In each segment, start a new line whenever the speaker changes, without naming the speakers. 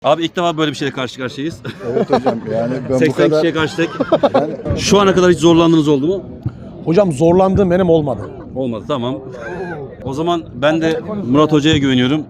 Abi ilk defa böyle bir şeyle karşı karşıyayız.
Evet hocam, yani ben
80
bu kadar...
kişiye karşılaştık. Şu ana kadar hiç zorlandığınız oldu mu?
Hocam zorlandığım benim olmadı.
Olmadı, tamam. O zaman ben de Murat Hoca'ya güveniyorum.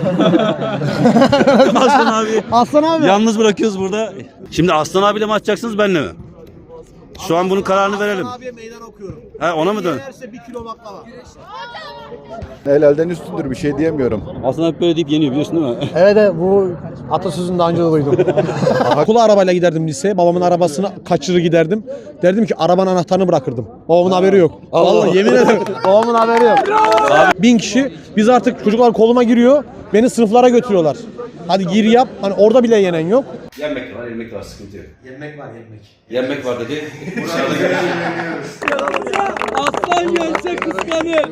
Aslan abi.
Yalnız bırakıyoruz burada. Şimdi Aslan abiyle mi atacaksınız, benle mi? Şu an bunun kararını verelim.
Abiye meydan okuyorum.
He, ona mı dön?
Yenerse 1 kilo baklava.
Helalden üstündür, bir şey diyemiyorum.
Aslan abi böyle deyip yeniyor, biliyorsun değil mi?
Evet bu atasözünü daha önce de duydum. Okula arabayla giderdim liseye. Babamın arabasını kaçırır giderdim. Derdim ki arabanın anahtarını bırakırdım. Babamın haberi yok. Vallahi yemin ederim babamın haberi yok. 1000 kişi. Biz artık çocuklar koluma giriyor. Beni sınıflara götürüyorlar. Hadi gir yap. Hani orada bile yenen yok.
Yenmek var, yenmek var, sıkıntı yok.
Yenmek var yenmek.
Yenmek var dedi. Dışarıda görüşürüz.
Aslan gelse kıskanır.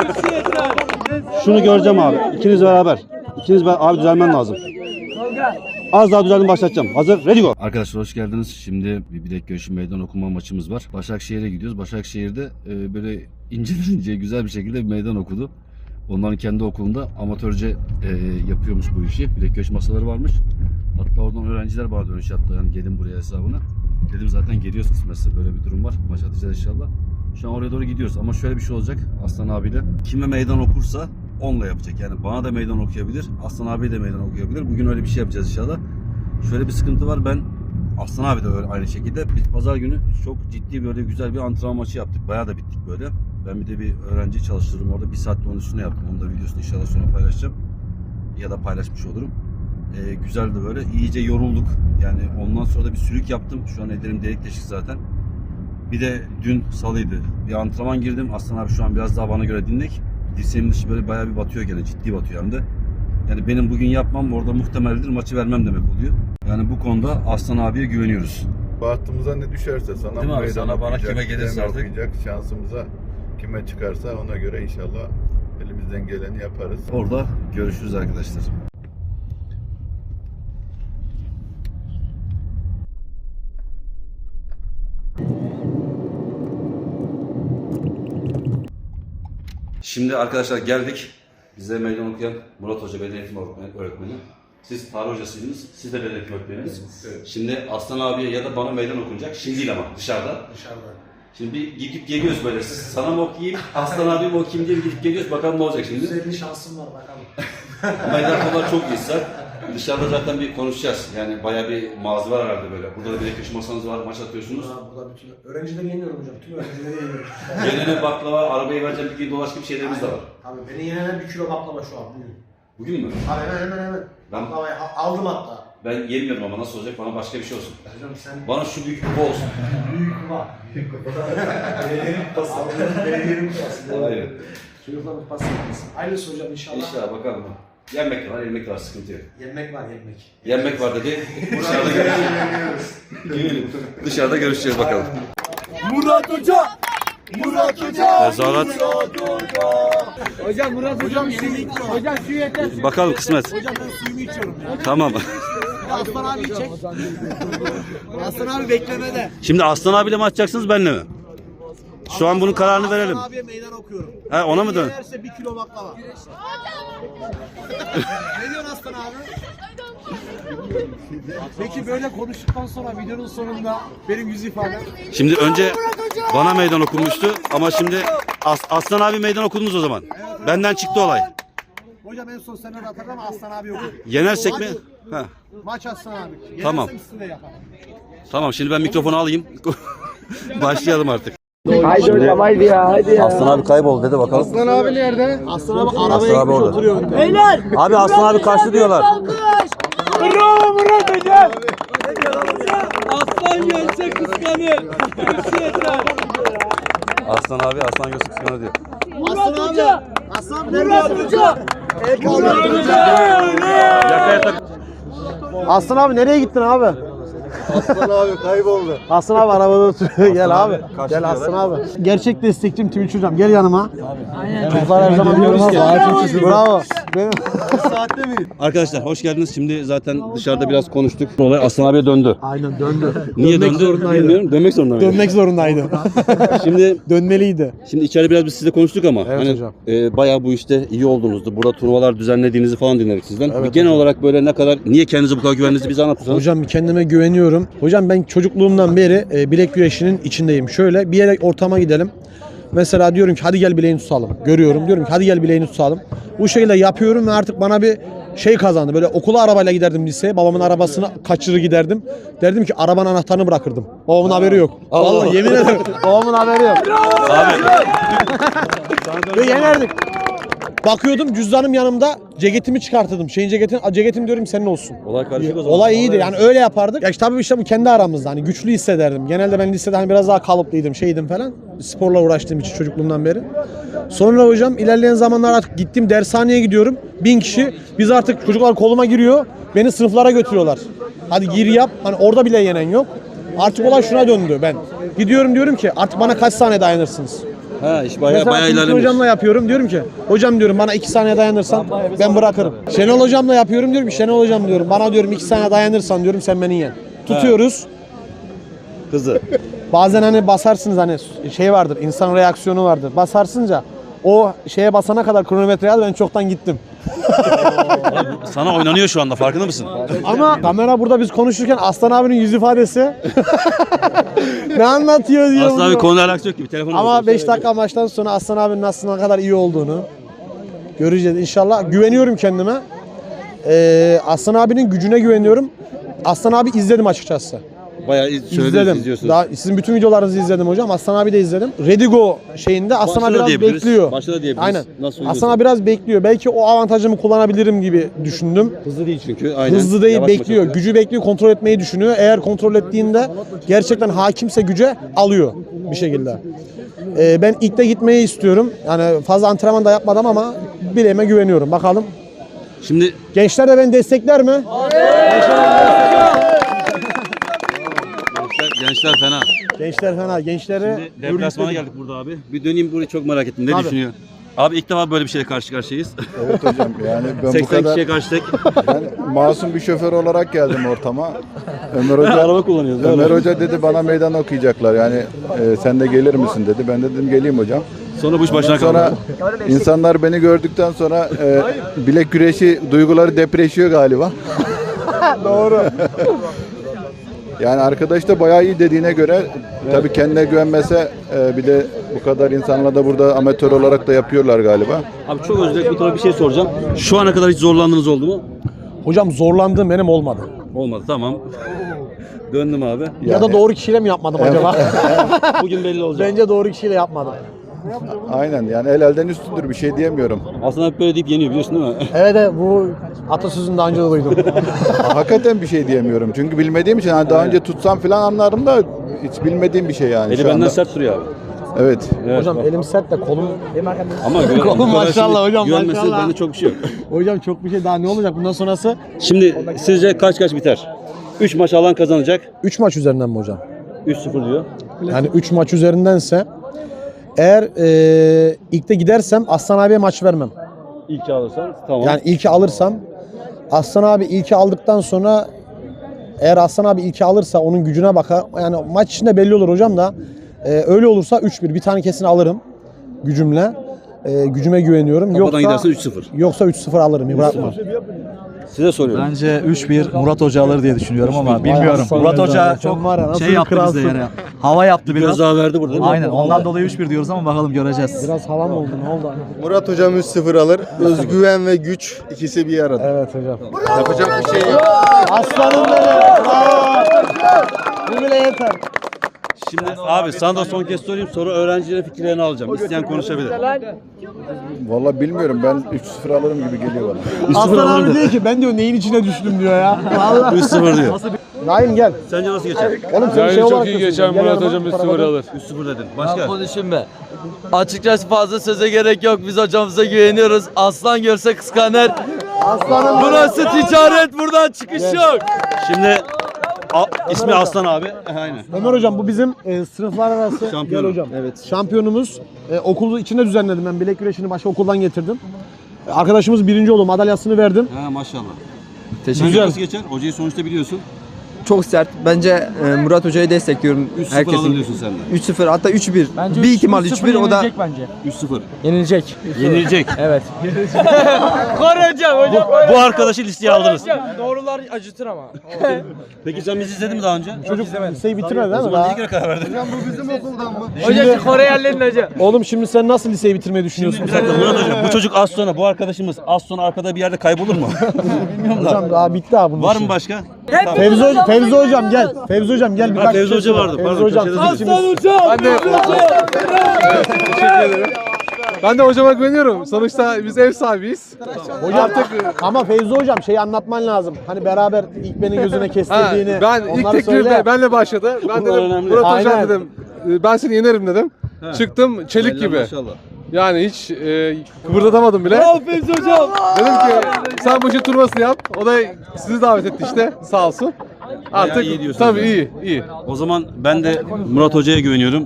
Şunu göreceğim abi. İkiniz beraber. Abi düzelmen lazım. Az daha düzeldim, başlatacağım. Hazır, ready go. Arkadaşlar hoş geldiniz. Şimdi bir bilek görüşü meydan okuma maçımız var. Başakşehir'e gidiyoruz. Başakşehir'de böyle ince güzel bir şekilde bir meydan okudu. Onların kendi okulunda amatörce yapıyormuş bu işi. Bilek görüş masaları varmış. Hatta oradan öğrenciler vardı, dönüş yaptı. Yani gelin buraya hesabına. Dedim zaten geliyoruz kısmetse, böyle bir durum var. Maç atacağız inşallah. Şu an oraya doğru gidiyoruz ama şöyle bir şey olacak Aslan abiyle. Kime meydan okursa onunla yapacak. Yani bana da meydan okuyabilir, Aslan abiye de meydan okuyabilir. Bugün öyle bir şey yapacağız inşallah. Şöyle bir sıkıntı var, ben Aslan abi de öyle aynı şekilde. Biz pazar günü çok ciddi böyle güzel bir antrenman maçı yaptık. Bayağı da bittik böyle. Ben bir de bir öğrenci çalıştırdım orada. 1 saatte onun üstüne yaptım. Onu da videosunu inşallah sonra paylaşacağım. Ya da paylaşmış olurum. Güzeldi böyle. İyice yorulduk. Yani ondan sonra da bir sülük yaptım. Şu an ellerim delik deşik zaten. Bir de dün salıydı. Bir antrenman girdim. Aslan abi şu an biraz daha bana göre dinlek. Dirseğimin dışı böyle bayağı bir batıyor gene. Ciddi batıyor hem de. Yani benim bugün yapmam orada muhtemeldir. Maçı vermem demek oluyor. Yani bu konuda Aslan abiye güveniyoruz.
Bahtımıza ne düşerse sana
Değil mi abi?
meydan
Sana, bana
okuyacak,
kime gelirse
kime
artık.
okuyacak, şansımıza kime çıkarsa ona göre inşallah elimizden geleni yaparız.
Orada görüşürüz arkadaşlar. Şimdi arkadaşlar geldik. Bize meydan okuyan Murat Hoca, beden eğitimi öğretmeni. Siz tarih hocasıydınız, siz de beden eğitimi öğretmeniniz. Evet. Şimdi Aslan abiye ya da bana meydan okunacak. Şimdi değil ama dışarıda. Şimdi bir gidip geliyoruz böyle. Sana mı okuyayım, Aslan abi mi okuyayım diye bir gidip geliyoruz. Bakalım ne olacak şimdi.
%50 şansım var bakalım.
Meydan kadar çok iyiyse dışarıda zaten bir konuşacağız. Yani bayağı bir mağaza var herhalde böyle. Burada da bilek köşe masanız var, maç atıyorsunuz.
Burada bütün öğrencileri yeniyorum hocam. Tüm öğrencileri yeniyorum.
Gelene baklava, arabayı vereceğim, bir gün dolaş gibi şeylerimiz de var.
Abi beni yenenen 1 kilo baklava şu an bugün.
Bugün mü?
Abi hemen.
Ben-
Baklavayı aldım hatta.
Ben yemiyorum ama nasıl olacak? Bana başka bir şey olsun.
Hocam sen
Bana şu büyük kupa olsun.
büyük kupa. Belediyenin kupası. Belediyenin kupası.
Aynen.
Çocukların kupası yapmasın. Hayırlısı hocam inşallah.
İnşallah bakalım. Yenmek var, yenmek var, sıkıntı yok.
Yenmek var yenmek.
Yenmek var dedi. Dışarıda görüşeceğiz. Dışarıda görüşeceğiz bakalım.
Murat Hoca! Murat Hoca!
Tezahürat.
Hocam Murat hocam hocam şu yeter.
Bakalım kısmet.
Hocam ben suyumu içiyorum ya.
Tamam.
Aslan abi çek. Aslan abi beklemede.
Şimdi Aslan abiyle mi atacaksınız, benle mi? Şu an bunun kararını verelim.
Aslan abiye meydan okuyorum.
He, ona mı dön?
Yenerse 1 kilo baklava. Ne diyorsun Aslan abi? Peki böyle konuştuktan sonra videonun sonunda benim yüz ifadem.
Şimdi önce bana meydan okunmuştu ama şimdi Aslan abi meydan okudunuz o zaman. Benden çıktı olay.
Hocam en son senden hatırlam ama Aslan abi yok.
Yenersek mi? Ha.
Maç Aslan abi. Yenersem
Tamam.
üstünde yapalım.
Tamam, şimdi ben mikrofonu alayım. Başlayalım artık.
Haydi hocam haydi ya haydi ya.
Aslan abi kayboldu dedi, bakalım.
Aslan abi nerede? Aslan abi arabaya
abi
gitmiş
orada.
oturuyor önde.
Beyler.
Abi Aslan abi kaçtı diyorlar.
Bravo Murat hocam. Aslan gelse kıskanır.
Aslan abi, Aslan Yusuf kıskanır diyor.
Murat hoca.
Aslan abi nerede?
Murat hoca.
Aslan abi nereye gittin abi?
Aslan abi kayboldu.
Aslan abi arabada oturuyor. Gel abi. Gel Aslan abi. Gerçek destekçim Twitch hocam. Gel yanıma. Çocuklar her zaman diyoruz ki. Bravo. Benim...
Arkadaşlar hoş geldiniz. Şimdi zaten dışarıda biraz konuştuk. Olay Aslan abiye döndü.
Aynen döndü.
Niye
Dönmek
döndü
zorundaydı.
bilmiyorum. Dönmek zorunda mıydı?
Dönmek zorundaydı.
Şimdi
Dönmeliydi.
içeride biraz biz sizle konuştuk ama
Evet
hani
hocam.
Bayağı bu işte iyi olduğunuzdu. Burada turnuvalar düzenlediğinizi falan dinledik sizden.
Evet
Bir genel
hocam.
olarak böyle ne kadar niye kendinize bu kadar güvendiğinizi bize anlatırsanız.
Hocam kendime güveniyorum. Hocam ben çocukluğumdan beri bilek güreşinin içindeyim. Şöyle bir yere ortama gidelim. Mesela diyorum ki hadi gel bileğini tutalım. Görüyorum diyorum ki hadi gel bileğini tutalım. Bu şekilde yapıyorum ve artık bana bir şey kazandı. Böyle okula arabayla giderdim liseye. Babamın arabasını kaçırır giderdim. Derdim ki arabanın anahtarını bırakırdım. Babamın haberi yok. Vallahi yemin ederim babamın haberi yok. Ve yenerdik. Bakıyordum cüzdanım yanımda, ceketimi çıkartırdım. Ceketim diyorum senin olsun.
Olay karışık o zaman.
Olay iyiydi yani öyle yapardık. Ya işte tabii işte bu kendi aramızda hani güçlü hissederdim. Genelde ben lisede hani biraz daha kalıplıydım şeydim falan. Sporla uğraştığım için çocukluğumdan beri. Sonra hocam ilerleyen zamanlar artık gittim dershaneye gidiyorum. 1000 kişi biz artık çocuklar koluma giriyor. Beni sınıflara götürüyorlar. Hadi gir yap. Hani orada bile yenen yok. Artık olay şuna döndü ben. Gidiyorum diyorum ki artık bana kaç saniye dayanırsınız?
Ha iş bayağı
Mesela Tülkü
ilerlemiş.
hocamla yapıyorum diyorum ki hocam diyorum bana 2 saniye dayanırsan ben bırakırım. Şenol hocamla yapıyorum diyorum ki Şenol hocam diyorum bana diyorum 2 saniye dayanırsan diyorum sen beni yen. Tutuyoruz.
Kızı.
Bazen hani basarsınız hani şey vardır insan reaksiyonu vardır. Basarsınca o şeye basana kadar kronometreye al ben çoktan gittim.
Sana oynanıyor şu anda farkında mısın?
Ama kamera burada biz konuşurken Aslan abinin yüz ifadesi ne anlatıyor diyor.
Aslan abi
bunu.
konuyla alakası yok gibi. Telefonu
Ama 5 dakika maçtan sonra Aslan abinin aslında ne kadar iyi olduğunu göreceğiz inşallah. Güveniyorum kendime. Aslan abinin gücüne güveniyorum. Aslan abi izledim açıkçası.
Bayağı
İzledim.
izliyorsunuz.
Daha sizin bütün videolarınızı izledim hocam. Aslan abi de izledim. Redigo şeyinde Aslan abi
Başta da
biraz
diyebiliriz.
bekliyor.
Başta da diyebiliriz.
Aynen.
Nasıl
Aslan abi biraz bekliyor. Belki o avantajımı kullanabilirim gibi düşündüm.
Hızlı değil çünkü. Aynen.
Hızlı değil,
Yavaş
bekliyor.
maç
Gücü bekliyor, kontrol etmeyi düşünüyor. Eğer kontrol ettiğinde gerçekten hakimse güce alıyor bir şekilde. Ben ilk de gitmeyi istiyorum. Yani fazla antrenman da yapmadım ama bileğime güveniyorum. Bakalım.
Şimdi
Gençler de beni destekler mi?
gençler fena.
Gençler fena. Gençleri
Şimdi deplasmana geldik burada abi. Bir döneyim burayı çok merak ettim. Ne
Abi.
düşünüyor? Abi ilk defa böyle bir şeyle karşı karşıyayız.
Evet hocam yani ben bu
80
kadar
kişiye karşı tek.
ben masum bir şoför olarak geldim ortama. Ömer Hoca
Araba kullanıyoruz.
Ömer Hoca dedi bana meydan okuyacaklar yani sen de gelir misin dedi. Ben de dedim geleyim hocam.
Sonra bu iş başına
Sonra
kaldı.
insanlar beni gördükten sonra bilek güreşi duyguları depreşiyor galiba.
doğru.
Yani arkadaş da bayağı iyi dediğine göre tabii kendine güvenmese bir de bu kadar insanla da burada amatör olarak da yapıyorlar galiba.
Abi çok özür dilerim. Bu tarafa bir şey soracağım. Şu ana kadar hiç zorlandığınız oldu mu?
Hocam zorlandığım benim olmadı.
Olmadı tamam. Döndüm abi.
Ya da doğru kişiyle mi yapmadım acaba?
Bugün belli olacak.
Bence doğru kişiyle yapmadım.
Aynen yani el elden üstündür bir şey diyemiyorum.
Aslında hep böyle deyip yeniyor biliyorsun değil mi?
Evet bu atasözünü daha önce de duydum.
Hakikaten bir şey diyemiyorum. Çünkü bilmediğim için hani daha önce tutsam falan anlarım da hiç bilmediğim bir şey yani.
Eli
şu
benden
anda.
sert duruyor abi.
Evet.
Evet,
Hocam
bak.
elim sert de kolum...
Ama
Kolum maşallah hocam,
güvenmesi
maşallah.
bende çok bir şey yok.
Hocam çok bir şey daha ne olacak bundan sonrası?
Şimdi sizce kaç biter? 3 maç alan kazanacak.
3 maç üzerinden mi hocam?
3-0 diyor.
Yani 3 maç üzerindense eğer ilkte gidersem Aslan abiye maç vermem.
İlk alırsan tamam.
Yani ilki alırsam Aslan abi ilki aldıktan sonra eğer Aslan abi ilki alırsa onun gücüne bakar. Yani maç içinde belli olur hocam da öyle olursa 3-1 bir tane kesin alırım gücümle. Gücüme güveniyorum.
Kafadan giderse 3-0.
Yoksa 3-0 alırım. Bırakmam.
Size soruyorum.
Bence 3-1 Murat Hoca alır diye düşünüyorum ama bilmiyorum.
aslanım
Murat
benim
Hoca
ya.
çok
Var ya, nasıl
şey yaptı
kralsın.
bize yani. Hava yaptı biraz.
Biraz daha verdi burada değil mi?
Aynen ondan dolayı 3-1 diyoruz ama bakalım göreceğiz.
Biraz hava mı oldu? Ne oldu?
Murat hocam 3-0 alır. Özgüven ve güç ikisi bir arada.
Evet hocam.
Yapacak bir şey yok.
Aslanım benim. Bravo. Bu bile yeter.
Şimdi abi sana da son kez sorayım sonra öğrencilerin fikirlerini alacağım. İsteyen konuşabilir.
Vallahi bilmiyorum ben 3-0 alırım gibi geliyor bana.
Aslan abi diyor ki ben diyor neyin içine düştüm diyor ya. Vallahi.
3-0 diyor.
Naim gel.
Sence nasıl geçer?
Oğlum sen şey olarak
iyi
da
geçer
söyle. Gel
Murat
yanıma,
hocam 3-0
tarafa dön.
alır.
3-0 dedin. Başka?
Konuşayım be. Açıkçası fazla söze gerek yok. Biz hocamıza güveniyoruz. Aslan görse kıskanır.
Aslanım benim.
Burası ticaret. Buradan çıkış yok.
Şimdi İsmi Aslan abi. Aynen.
Ömer hocam bu bizim sınıflar arası
Şampiyonu.
Gel hocam. Evet. Şampiyonumuz. Okulu içinde düzenledim ben. Bilek güreşini başka okuldan getirdim. Arkadaşımız birinci oldu. Madalyasını verdim.
Ha maşallah.
Teşekkür
Nasıl geçer? Hocayı sonuçta biliyorsun.
Çok sert. Bence Murat Hoca'yı destekliyorum.
3-0 alır diyorsun sen de.
3-0 hatta 3-1.
Bence
Bir ihtimal 3-1 o da
bence.
3-0.
Yenilecek.
Yenilecek.
Evet.
Bu arkadaşı listeye aldınız.
Doğrular acıtır ama.
Peki sen bizi izledin mi daha önce?
Çocuk liseyi bitirmedi değil mi?
Ben
Daha?
ne kere karar verdin?
Hocam Koreyerlerin hoca.
Oğlum şimdi sen nasıl liseyi bitirmeyi düşünüyorsun?
Bir dakika Murat hocam bu çocuk az sonra bu arkadaşımız az sonra arkada bir yerde kaybolur mu? Bilmiyorum da.
Hocam daha bitti abi bunun
Var
işi.
mı başka?
Fevzi hocam gel. Fevzi hocam gel.
Ha, Fevzi Hoca vardı.
Fevzi
Pardon,
hocam.
köşede
Sizin
değilim.
Ben de hocama güveniyorum. Sonuçta biz ev sahibiyiz.
Hocam ama Fevzi hocam şeyi anlatman lazım. Hani beraber ilk beni gözüne kestirdiğini.
Ben ilk
onları
teklif
söyle.
benle başladı. Ben
Bunlar
dedim
önemli.
Murat hocam
Aynen.
dedim. Ben seni yenerim dedim. Çıktım çelik
Helal
gibi.
Maşallah.
Yani hiç kıpırdatamadım bile.
Fevzi hocam.
Dedim ki sen bu işin turnuvasını yap. O da sizi davet etti işte sağ olsun. Artık
iyi diyorsun
tabii
yani.
iyi.
O zaman ben de Murat Hoca'ya güveniyorum.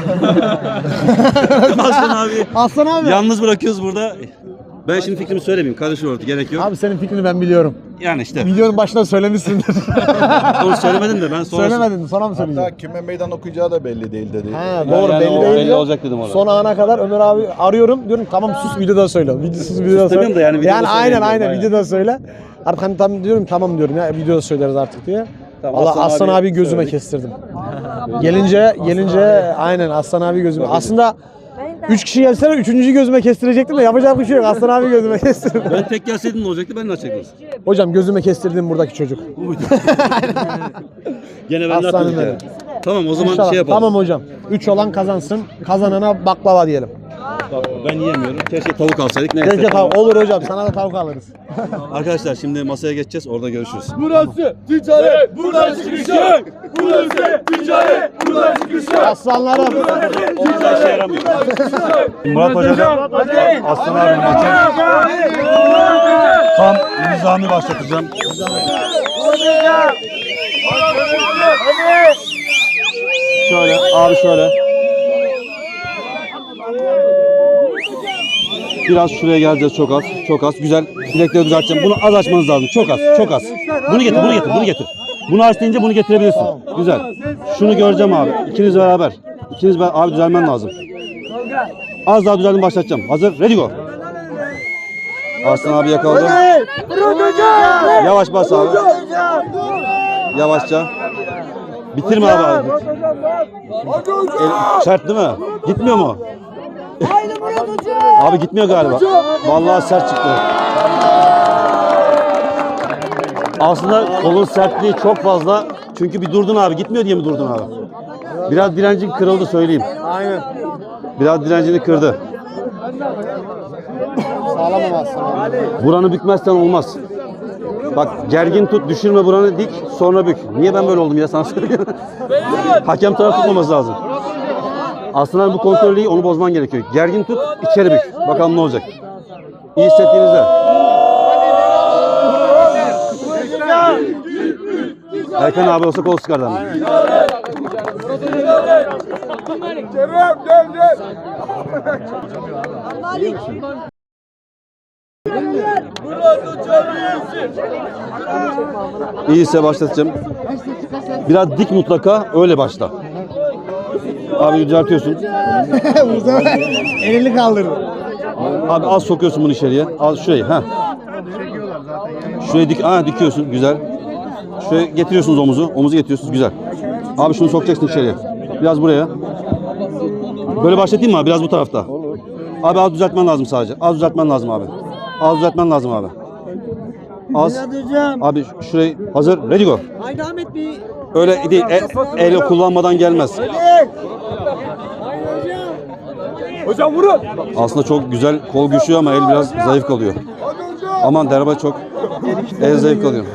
Aslan abi.
Aslan abi.
Yalnız bırakıyoruz burada. Ben şimdi fikrimi söylemeyeyim. Karışır orada. Gerek yok.
Abi senin fikrini ben biliyorum.
Yani işte.
Videonun başında söylemişsindir.
Onu söylemedim de ben sonra...
Söylemedin sonra mı söyleyeceksin?
Hatta kime meydan okuyacağı da belli değil dedi.
Ha, doğru
Yani
belli
o
değil.
belli olacak dedim ona.
Son ana kadar Ömer abi arıyorum diyorum tamam sus videoda söyle. Videosuz videoda
demiyorum
söyle.
da yani videoda
aynen
söyleyeyim
aynen
diyorum,
videoda söyle. Artık hani tam diyorum tamam diyorum ya videoda söyleriz artık diye.
Tamam,
Allah
Aslan
Aslan
abi
abi gözüme
söyledik.
kestirdim. gelince aynen Aslan abi gözüme. Aslında 3 kişi gelseler 3. gözüme kestirecektim de yapacak bir şey yok. Aslan abi gözüme kestirdim.
Ben tek gelseydim ne olacaktı? Ben de açacaktım.
Hocam gözüme kestirdim buradaki çocuk.
Gene ben de
Aslanım
atladık
benim.
yani. Tamam o zaman
İnşallah.
şey yapalım.
Tamam hocam. 3 olan kazansın. Kazanana baklava diyelim.
Ben yiyemiyorum. Keşke tavuk alsaydık. Neyse.
Keşke olur hocam. Sana da tavuk alırız.
Arkadaşlar şimdi masaya geçeceğiz. Orada görüşürüz.
Burası ticaret. Burası ticaret. Burası ticaret. Burası ticaret.
Aslanlarım.
Hiçbir şey yaramıyor. Murat Hoca da Aslan abi maçı tam nizami başlatacağım. Şöyle abi şöyle. Biraz şuraya geleceğiz çok az. Çok az. Güzel. Bilekleri düzelteceğim. Bunu az açmanız lazım. Çok az. Çok az. Bunu getir. Bunu getir. Bunu getir. Bunu aç deyince bunu getirebilirsin. Güzel. Şunu göreceğim abi. İkiniz beraber. İkiniz beraber. Abi düzelmen lazım. Az daha düzeldim başlatacağım. Hazır. Ready go. Arslan abi yakaladı. Yavaş bas abi. Yavaşça. Bitirme abi. Sert değil mi? Gitmiyor mu? Abi gitmiyor galiba. Vallahi sert çıktı. Aslında kolun sertliği çok fazla. Çünkü bir durdun abi. Gitmiyor diye mi durdun abi? Biraz direncin kırıldı söyleyeyim.
Aynen.
Biraz direncini kırdı.
Sağlamam Aslan abi.
Buranı bükmezsen olmaz. Bak gergin tut, düşürme buranı dik, sonra bük. Niye ben böyle oldum ya sana söyleyeyim. Hakem taraf tutmaması lazım. Aslında bu kontrolü iyi, onu bozman gerekiyor. Gergin tut, içeri bük. Bakalım ne olacak. İyi hissettiğinizde. Erkan abi olsa kol sıkardı ama. İyiyse başlatacağım. Biraz dik mutlaka, öyle başla. Abi düzeltiyorsun.
Elini kaldırdı.
Abi az sokuyorsun bunu içeriye. Az şurayı. Ha. Şurayı dikiyorsun. Güzel. Şuraya getiriyorsunuz omuzu. Omuzu getiriyorsunuz. Güzel. Abi şunu sokacaksın içeriye. Biraz buraya. Böyle başlatayım mı abi? Biraz bu tarafta. Abi az düzeltmen lazım sadece. Az düzeltmen lazım abi. Az düzeltmen lazım abi. Az. Abi şurayı hazır. Ready go.
Haydi Ahmet Bey.
Öyle değil. Elle kullanmadan gelmez.
Hocam vurun.
Aslında çok güzel kol güçlü ama el biraz zayıf kalıyor. Aman derba çok el zayıf kalıyor.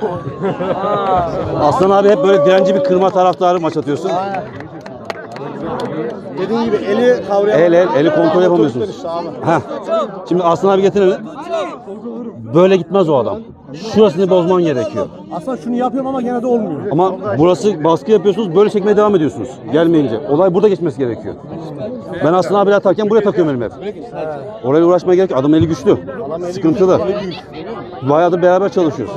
Aslan abi hep böyle direnci bir kırma taraftarı maç atıyorsun.
Dediğin gibi eli kavrayamıyor.
Eli kontrol yapamıyorsunuz. Heh. Şimdi Aslan abi getirelim. Böyle gitmez o adam. Şurasını bozman gerekiyor.
Aslında şunu yapıyorum ama gene de olmuyor.
Ama burası baskı yapıyorsunuz, böyle çekmeye devam ediyorsunuz. Gelmeyince. Olay burada geçmesi gerekiyor. Ben Aslan abiyle atarken buraya takıyorum elimi hep. Orayla uğraşmaya gerek yok. Adam eli güçlü. Sıkıntılı. Bayağıdır beraber çalışıyoruz.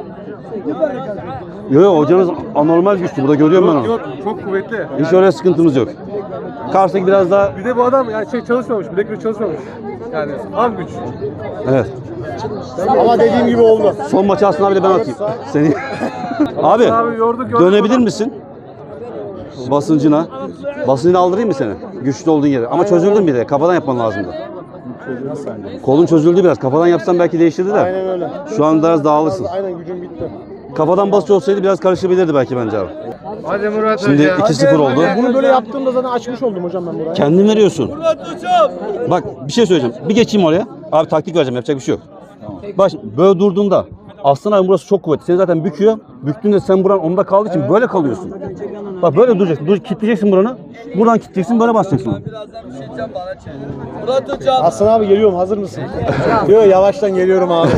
Yok hocanız anormal güçlü. Burada görüyorum ben onu.
Yok çok kuvvetli.
Hiç öyle sıkıntımız yok. Karşıdaki biraz daha...
Bir de bu adam yani çalışmamış. Bilek gücü çalışmamış. Yani ham güç.
Evet.
Ama dediğim gibi oldu.
Son maçı Aslan abiyle ben atayım. Seni... Abi dönebilir misin? Basıncına. Basıncını aldırayım mı seni? Güçlü olduğun yere. Ama çözüldün bir de. Kafadan yapman lazımdı. Kolun çözüldü biraz. Kafadan yapsan belki değiştirdi de.
Aynen öyle.
Şu an biraz dağılırsın.
Aynen gücüm bitti.
Kafadan basıcı olsaydı biraz karışabilirdi belki bence abi.
Hadi Murat
Şimdi 2-0 oldu.
Bunu böyle yaptığımda zaten açmış oldum hocam ben burayı.
Kendin veriyorsun. Bak bir şey söyleyeceğim. Bir geçeyim oraya. Abi taktik vereceğim. Yapacak bir şey yok. Bak böyle durduğunda Aslan abi burası çok kuvvetli. Seni zaten büküyor. Büktüğünde sen buran onda kaldığı için böyle kalıyorsun. Bak böyle duracaksın. Kilitleyeceksin buranı. Buradan kilitleyeceksin. Böyle basacaksın.
Murat hocam.
Aslan abi geliyorum, hazır mısın? Yok yavaştan geliyorum abi.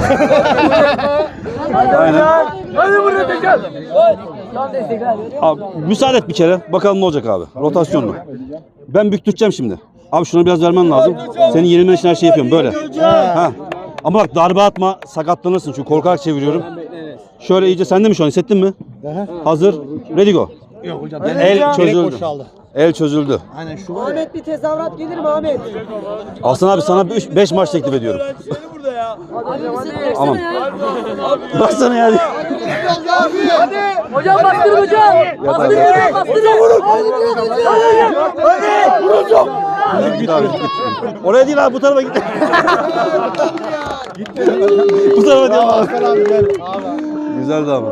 Aynen.
Hadi Murat hocam.
Abi müsaade et bir kere. Bakalım ne olacak abi. Rotasyonlu. Ben büktüreceğim şimdi. Abi şunu biraz vermen lazım. Senin yenilmen için her şeyi yapıyorum böyle. Ha. Ama bak darbe atma, sakatlanırsın çünkü korkarak çeviriyorum. Şöyle iyice sende mi şu an, hissettin mi? Hazır. Ready go.
Yok hocam.
El çözüldü. El çözüldü.
Aynen şu
Ahmet bir tezahürat gelir mi Ahmet?
Aslan abi sana 5 maç teklif ediyorum. Aman. Baksana ya.
Hocam bastır hocam. Bastır hocam. Bastır.
Git abi git. Oraya değil abi bu tarafa git. Bu tarafa değil abi. Güzeldi ama.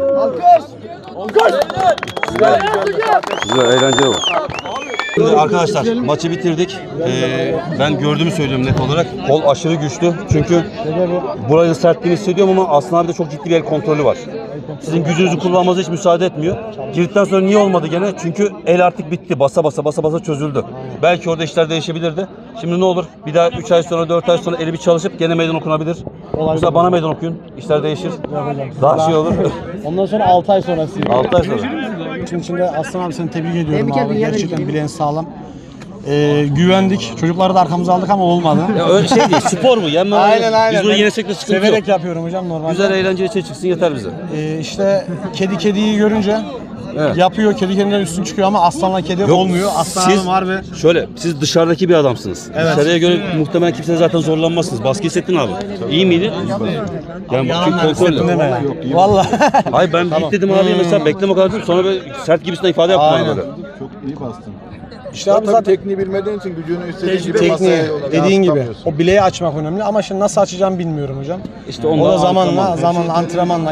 Güzel, eğlenceli oldu. Şimdi arkadaşlar maçı bitirdik. Ben gördüğümü söylüyorum net olarak. Kol aşırı güçlü. Çünkü burayı sertliğini hissediyorum ama Aslan abi de çok ciddi bir el kontrolü var. Sizin gücünüzü kullanmanıza hiç müsaade etmiyor. Girdikten sonra niye olmadı gene? Çünkü el artık bitti. Basa basa çözüldü. Belki orada işler değişebilirdi. Şimdi ne olur? Bir daha 3 ay sonra 4 ay sonra eli bir çalışıp gene meydan okunabilir. Yoksa bana meydan okuyun. İşler değişir. Daha şey olur.
Ondan sonra 6 ay sonrası.
6 ay sonra.
Şimdi içinde Aslan abi seni tebrik ediyorum abi. Gerçekten bileğin sağlam. Güvendik. Çocukları da arkamıza aldık ama olmadı.
Ya öyle şey değil. Spor bu. Yenme.
Aynen.
Biz bunu yenesek de sıkıntı yok.
Severek yapıyorum hocam normalde.
Güzel eğlenceli şey çıksın yeter bize.
İşte kediyi görünce yapıyor. Kedi kendinden üstün çıkıyor ama aslanla kedi olmuyor. Aslan
siz,
abi var ve
şöyle siz dışarıdaki bir adamsınız.
Evet.
Dışarıya göre muhtemelen kimse zaten zorlanmazsınız. Baskı hissettin abi. İyi miydi? Yani kontrolle.
deme ya. Vallahi.
Hayır ben tamam. Dedim abi mesela bekleme kadar dedim. Sonra böyle sert gibisinden ifade yaptım bana böyle.
Çok iyi bastın.
İşte abi
Tabii
zaten
tekniği bilmediğin için gücünü istediğin gibi
tekniği
masaya
dediğin gibi
yansıtamıyorsun.
o bileği açmak önemli ama şimdi nasıl açacağımı bilmiyorum hocam.
İşte
O da zamanla antrenmanla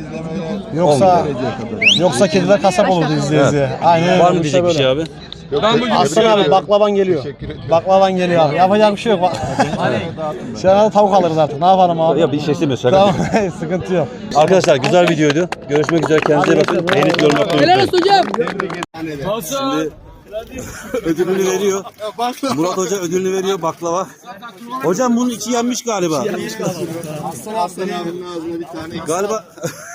yoksa kediler kasap olurdu izleye. Aynen.
Var mı diyecek bir şey abi?
Aslan abi baklavan geliyor. Baklavan geliyor abi. Yapacak bir şey yok. Sen tavuk alırız artık. Ne yapalım abi?
Ya bir şey istemiyorsun. Şaka.
Tamam sıkıntı yok.
Arkadaşlar güzel videoydu. Görüşmek üzere. Kendinize iyi bakın. Beğenip yorum yapmayı unutmayın.
Hocam.
Şimdi ödülünü veriyor. Murat Hoca ödülünü veriyor baklava. Hocam bunun içi yenmiş galiba.
Aslan abinin ağzına bir tane
Galiba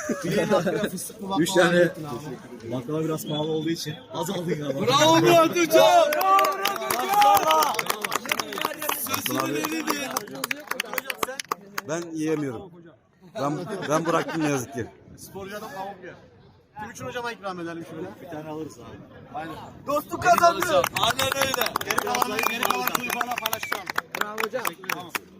3 tane baklava biraz pahalı olduğu için az aldın galiba.
Bravo Murat hocam.
ben yiyemiyorum. Ben bıraktım ne yazık ki.
Kim için hocama ikram edelim şöyle?
Bir tane alırız abi.
Aynen.
Dostluk kazandı.
Aynen öyle.
Geri kalan kulübana paylaşacağım.
Bravo hocam.